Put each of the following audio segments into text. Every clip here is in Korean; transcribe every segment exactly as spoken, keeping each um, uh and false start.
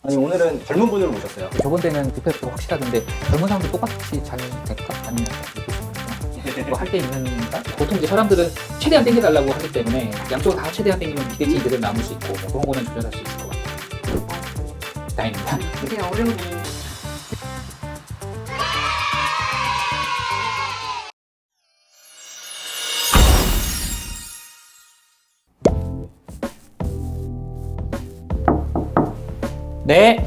아니 오늘은 젊은 분을 모셨어요. 저번 때는 비페프가 확실하던데 젊은 사람도 똑같이 잘 될까? 아니면 뭐 할 게 있는가? 보통 이제 사람들은 최대한 땡겨달라고 하기 때문에 양쪽을 다 최대한 땡기면 기대치 그대로 남을 수 있고 뭐 그런 거는 조절할 수 있을 것 같아요. 다행입니다. 되게 어려운 네.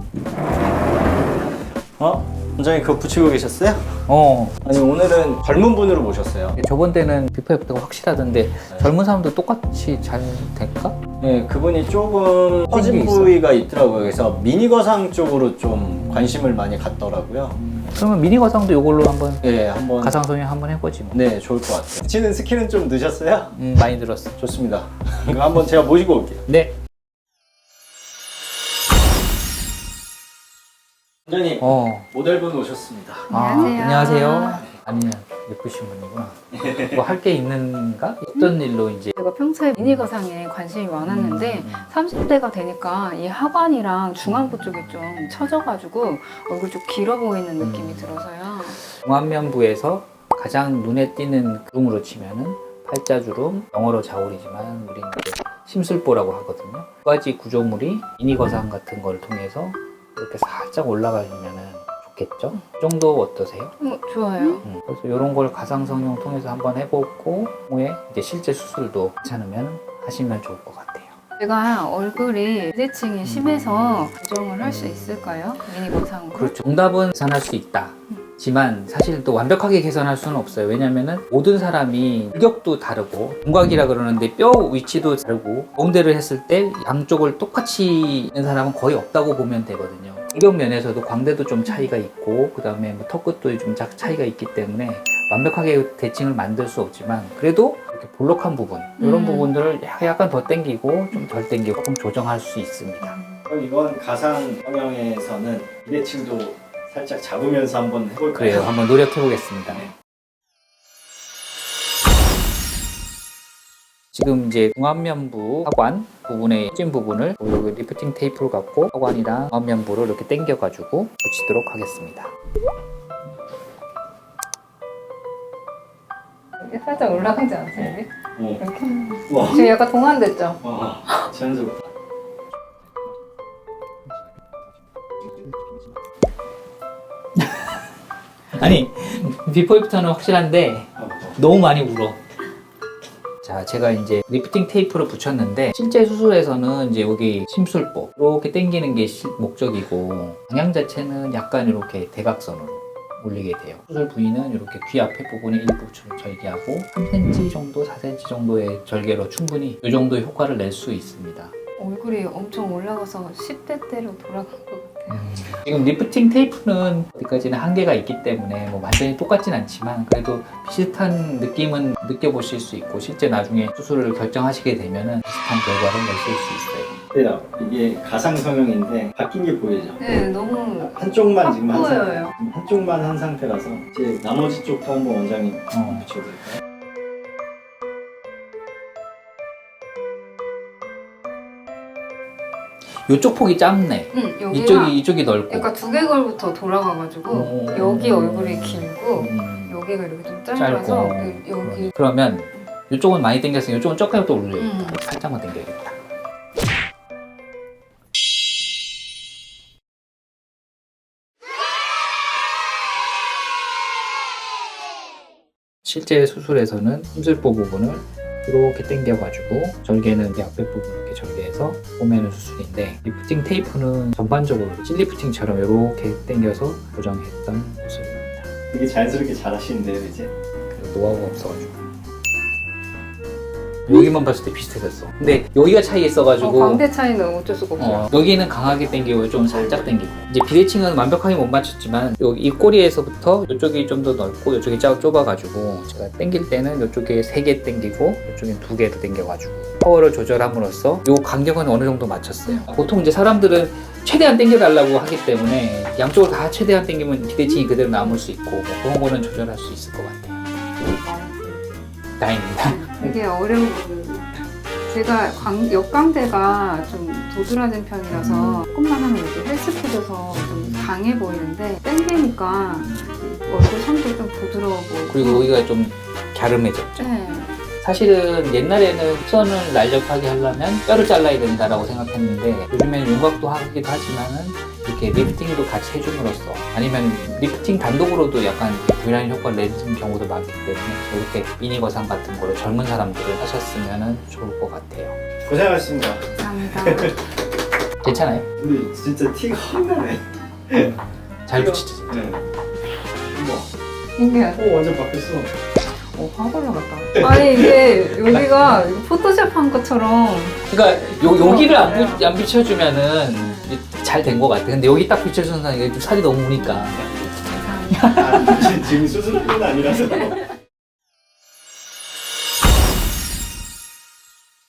어? 원장님 그거 붙이고 계셨어요? 어. 아니 오늘은 젊은 분으로 모셨어요. 저번 때는 비페프가 확실하던데 젊은 사람도 똑같이 잘 될까? 네, 그분이 조금 커진 게 있어. 부위가 있더라고요. 그래서 미니 거상 쪽으로 좀 관심을 많이 갖더라고요. 그러면 미니 가상도 이걸로 한번 네, 한번 가상 성형 한번 해보지 뭐. 네, 좋을 것 같아요. 붙이는 스킬은 좀 늦었어요? 음, 많이 들었어. 좋습니다. 그럼 한번 제가 모시고 올게요. 네. 원장님, 어. 모델분 오셨습니다. 안녕하세요. 아, 안녕하세요. 아니면 예쁘신 분이구나. 뭐 할 게 있는가? 어떤 일로 이제 제가 평소에 미니 거상에 관심이 많았는데 음, 음. 삼십 대가 되니까 이 하관이랑 중안부 쪽이 좀 처져가지고 얼굴 좀 길어 보이는 느낌이 들어서요. 중안면부에서 가장 눈에 띄는 주름으로 치면은 팔자주름, 영어로 자울이지만 우리는 이제 심술보라고 하거든요. 두 가지 구조물이 미니 거상 같은 걸 통해서 이렇게 살짝 올라가면은 좋겠죠? 이 정도 어떠세요? 어, 좋아요. 음, 그래서 이런 걸 가상 성형 통해서 한번 해보고 후에 이제 실제 수술도 괜찮으면 하시면 좋을 것 같아요. 제가 얼굴이 비대칭이 심해서 교정을 할 수 있을까요? 미니 거상으로? 그렇죠. 정답은 계산할 수 있다. 지만 사실 또 완벽하게 계산할 수는 없어요. 왜냐면은 모든 사람이 일격도 다르고 윤곽이라 그러는데 뼈 위치도 다르고 가운데를 했을 때 양쪽을 똑같이 있는 사람은 거의 없다고 보면 되거든요. 일격 면에서도 광대도 좀 차이가 있고 그 다음에 뭐 턱끝도 좀 차이가 있기 때문에 완벽하게 대칭을 만들 수 없지만 그래도 이렇게 볼록한 부분 이런 음. 부분들을 약간 더 당기고 좀 덜 당기고 조금 조정할 수 있습니다. 그럼 이번 가상 성형에서는 비대칭도 살짝 잡으면서 한번 해볼까요? 그래요. 한번 노력해 보겠습니다. 지금 이제 중안면부 하관 부분의 처진 부분을 여기 리프팅 테이프를 갖고 하관이랑 중안면부를 이렇게 당겨가지고 붙이도록 하겠습니다. 이렇게 살짝 올라가지 않으세요? 어. 이렇게? 우와. 지금 약간 동안됐죠? 와, 자연스럽다. 아니 비포 애프터는 확실한데 너무 많이 울어. 자, 제가 이제 리프팅 테이프를 붙였는데 실제 수술에서는 이제 여기 심술보 이렇게 당기는 게 시- 목적이고 방향 자체는 약간 이렇게 대각선으로 올리게 돼요. 수술 부위는 이렇게 귀 앞에 부분에 일부 절개하고 삼 센티미터 정도, 사 센티미터 정도의 절개로 충분히 이 정도의 효과를 낼 수 있습니다. 얼굴이 엄청 올라가서 십 대 때로 돌아간 것 같아요. 지금 리프팅 테이프는 어디까지나 한계가 있기 때문에 뭐 완전히 똑같진 않지만 그래도 비슷한 느낌은 느껴보실 수 있고 실제 나중에 수술을 결정하시게 되면은 비슷한 결과를 내실 수 있어요. 그래요. 이게 가상 성형인데 바뀐 게 보이죠? 네, 너무 한쪽만 지금 한 상태, 보여요. 지금 한쪽만 한 상태라서 이제 나머지 쪽도 한번 원장님 어. 붙여볼까요? 이쪽 폭이 짧네. 응, 여기가 이쪽이 이쪽이 넓고. 약간 두개골부터 돌아가가지고 오. 여기 얼굴이 길고 음, 여기가 이렇게 좀 짧고. 짧아서 여기 그러면 이쪽은 많이 당겼으니 이쪽은 조금 더 올려요. 음. 살짝만 당겨야겠다. 실제 수술에서는 심술보 부분을 이렇게 당겨가지고 절개는 이제 앞에 부분 이렇게 절개해서 꼬매는 수술인데 리프팅 테이프는 전반적으로 찔리프팅처럼 이렇게 당겨서 고정했던 모습입니다. 되게 자연스럽게 잘 하시는데요, 이제? 그리고 노하우가 없어가지고 여기만 봤을 때 비슷해졌어. 근데 여기가 차이 있어가지고 어, 광대 차이는 어쩔 수가 없어요. 어, 여기는 강하게 당기고 좀 살짝 당기고 이제 비대칭은 완벽하게 못 맞췄지만 여기 이 꼬리에서부터 이쪽이 좀 더 넓고 이쪽이 짜 좁아가지고 제가 당길 때는 이쪽에 세 개 당기고 이쪽엔 두 개로 당겨가지고 파워를 조절함으로써 이 간격은 어느 정도 맞췄어요. 보통 이제 사람들은 최대한 당겨달라고 하기 때문에 양쪽을 다 최대한 당기면 비대칭이 그대로 남을 수 있고 뭐 그런 거는 조절할 수 있을 것 같아요. 다행입니다. 되게 어려운 부분. 제가 광, 역광대가 좀 도드라진 편이라서 조금만 하면 이렇게 강해 보이는데 당기니까 얼굴 선도 좀 부드러워 보이고. 그리고 여기가 좀 갸름해졌죠. 네. 사실은 옛날에는 시선을 날렵하게 하려면 뼈를 잘라야 된다라고 생각했는데 요즘에는 윤곽도 하기도 하지만은 이렇게 리프팅도 같이 해줌으로써 아니면 리프팅 단독으로도 약간 V라인 효과를 내는 경우도 많기 때문에 이렇게 미니 거상 같은 거로 젊은 사람들을 하셨으면 좋을 것 같아요. 고생하셨습니다. 감사합니다. 괜찮아요? 근데 진짜 티가 확 나네. 잘 붙이죠. 네. 우와. 신기하다. 오, 완전 바뀌었어. 오, 확 올라갔다. 아니, 이게 여기가 포토샵 한 것처럼. 그러니까 요, 여기를 안, 네. 부- 안 비춰주면은 잘 된 것 같아. 근데 여기 딱 비춰주는 사람 이게 좀 살이 너무 우니까. 감사합니다. 아, 지금 수술뿐 아니라서.